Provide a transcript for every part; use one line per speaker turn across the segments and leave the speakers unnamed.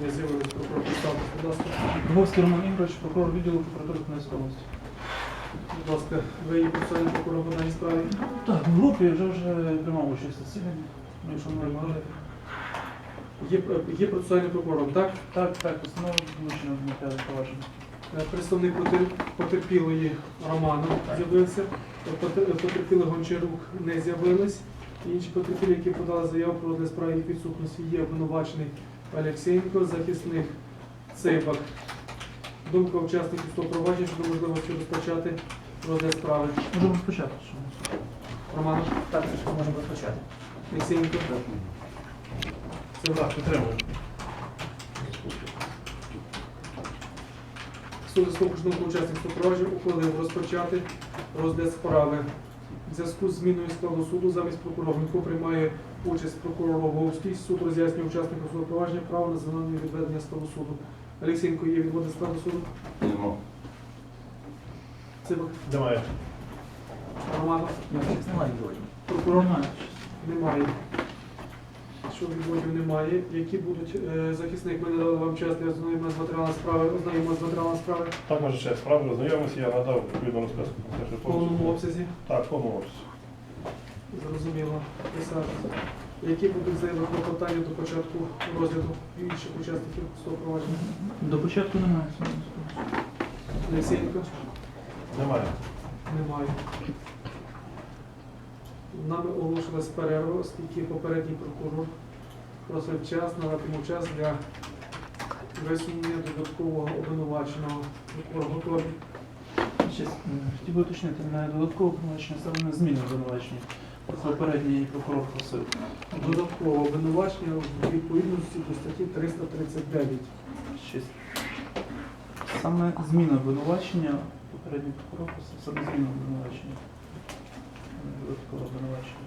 Не з'явилось прокурор представте, будь ласка.
Дубовський Роман Ігорович, прокурор відділу прокуратури Хмельницької області.
Будь ласка, ви є процесуальним прокурором по даній справі?
Так, в групі вже приймав участь в засіданні. Якщо не може.
Є процесуальним прокурором, так?
Так, установа вилучена в матеріалі провадження.
Представник потерпілої Романа з'явився, потерпілий Гончарук не з'явились. Інші потерпілі, які подали заяву про розгляд справи їх підсудності, є обвинувачений Олексєєнко, захисник Цибак. Думка учасників того провадження щодо можливості розпочати розгляд справи.
Можемо розпочати.
Роман,
Так, можемо розпочати.
Олексєєнко.
Так, підтримую.
Суд за свого думку учасників провадження ухвалив розпочати розгляд справи. В зв'язку з зміною складу суду замість прокурора Гунько приймає участь прокурор Роговський. Суд роз'яснює учасникам судового провадження право на звільнення відведення складу суду. Олексєєнко, є відводне складу суду?
Нема.
Цибак?
Немає.
Романов?
Немає відводів.
Прокурор?
Немає.
Немає. Що відводів немає. Які будуть захисник? Ми не дали вам час для ознайомлення з матеріалами справи. Ознайомимо з матеріалами справи
Так, може, ще справи роззнайомимося, я надав відповідну розписку.
в повному обсязі.
Так, в повному обсязі.
Зрозуміло. Писати. Які будуть заяви клопотання до початку розгляду інших учасників судового провадження?
До початку немає.
Олексєєнко?
Немає.
Немає. Нами оголошилась перерва, оскільки попередній прокурор просив час, надатиму час для висунення додаткового обвинуваченого. Прокурор готовий.
Хотів би уточнити, не додаткове обвинувачення, саме не зміни обвинувачення. Попередній прокурор просив.
Додаткове обвинувачення в відповідності до статті 339.
Саме зміна обвинувачення, попередній прокурор просив саме зміна обвинувачення. Додаткове обвинувачення.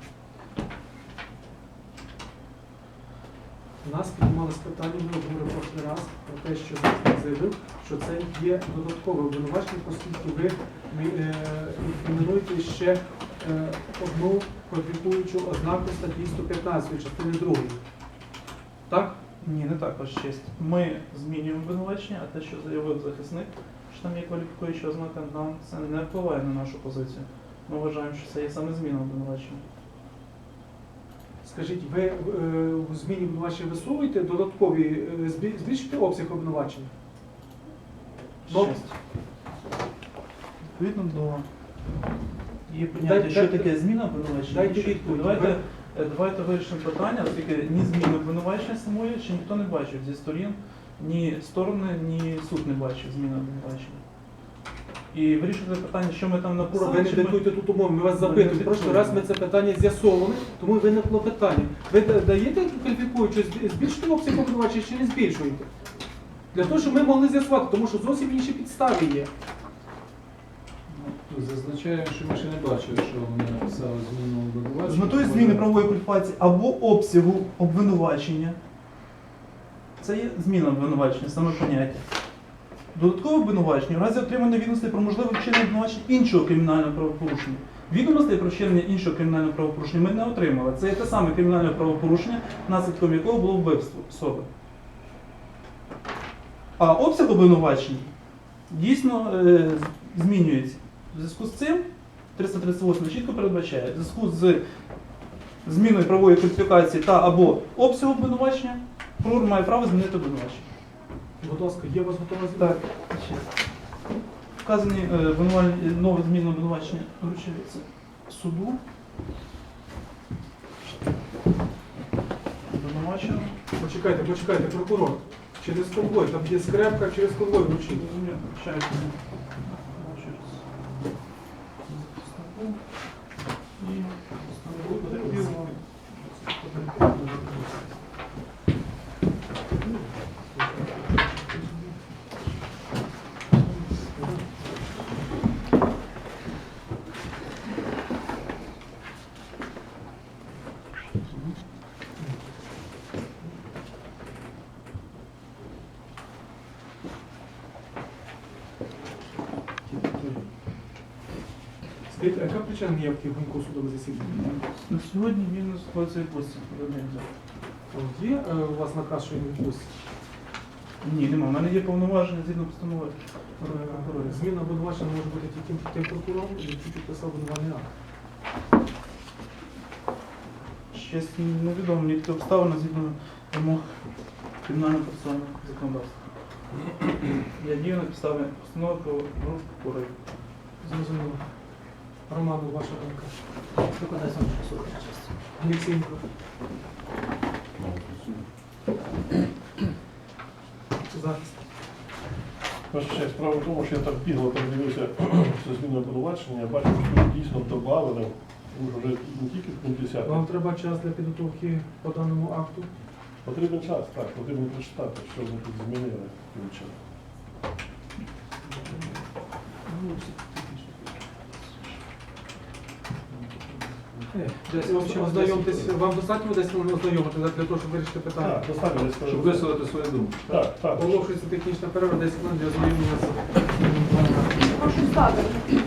У нас піднімалось питання, ми говорили прошлий раз про те, що захисник заявив, що це є додаткове обвинувачення, оскільки ви інкримінуєте ще одну кваліфікуючу ознаку статті 115 частини 2. Так?
Ні, не так, ваш честь. Ми змінюємо обвинувачення, а те, що заявив захисник, що там є кваліфікуюча ознака, нам це не впливає на нашу позицію. Ми вважаємо, що це є саме зміна обвинувачення.
Скажіть, ви в зміні обвинувачення висовуєте додаткові, збільшуєте обсяг обвинувачення?
Честь. Відповідно до є поняття, що таке зміна обвинувачення.
Дайте відповідь.
Давайте вирішимо питання, оскільки ні зміни обвинувачення самої ще ніхто не бачив зі сторін, ні сторони, ні суд не бачив зміни обвинувачення. І вирішувати питання, що ми там написали.
Ви не диктуйте тут умови, ми вас запитуємо. Прошлий раз ми це питання з'ясовували, тому виникло питання. Ви даєте кваліфікуючу, збільшуєте обсяг обвинувачення чи не збільшуєте? Для того, щоб ми могли з'ясувати, тому що зовсім інші підстави є.
Зазначаємо, що ми ще не бачили, що вони написали зміну обвинувачення.
З метою зміни правової кваліфікації або обсягу обвинувачення. Це є зміна обвинувачення, саме поняття. Додаткове обвинувачення в разі отримання відомостей про можливе вчинення обвинувачення іншого кримінального правопорушення. Відомостей про вчинення іншого кримінального правопорушення ми не отримали. Це є те саме кримінальне правопорушення, наслідком якого було вбивство особи. А обсяг обвинувачень дійсно змінюється. В зв'язку з цим 338 чітко передбачає, в зв'язку з зміною правової кваліфікації та або обсягу обвинувачення, прокурор має право змінити обвинувачення.
Будь ласка, є у вас готова зміна?
Так, ще. Вказані нове змінне обвинувачення вручається суду. Обвинувачено.
Почекайте, прокурор. Через конвой, там є скрепка, через конвой вручити.
Вручається.
Скажіть, а яка причина неявки Гунько судове засідання?
На сьогодні він знаходиться в відпустці.
Є у вас наказ, що він відпустить?
Ні, нема. У мене є повноваження згідно постанови прокурорів.
Зміна обвинувачення може бути тільки тим прокурором, який підписав обвинувальний акт.
Щось невідомо, мені такі обставини згідно вимог кримінального процесуального законодавства. Я дію на підставі постанови про групу прокурорів.
Зрозуміло. Роману, ваша думка.
Викладай сам суд.
Олексійко. Захист.
Ваша честь, справа в тому, що я так бігло передивився це зміни обвинувачення, я бачив, що тут дійсно додали, тому що вже не тільки в пункт 10.
Вам треба час для підготовки по даному акту.
Потрібен час, так, потрібно прочитати, що вони тут змінили таким чином.
Десь ознайомтесь, вам достатньо десь хвилин ознайомити для того, щоб вирішити питання.
Так, достатньо десь
Щоб висловити свою думку.
Так, так.
Оголошується технічна перерва, 10 хвилин для ознайомлення з
Прошу стати.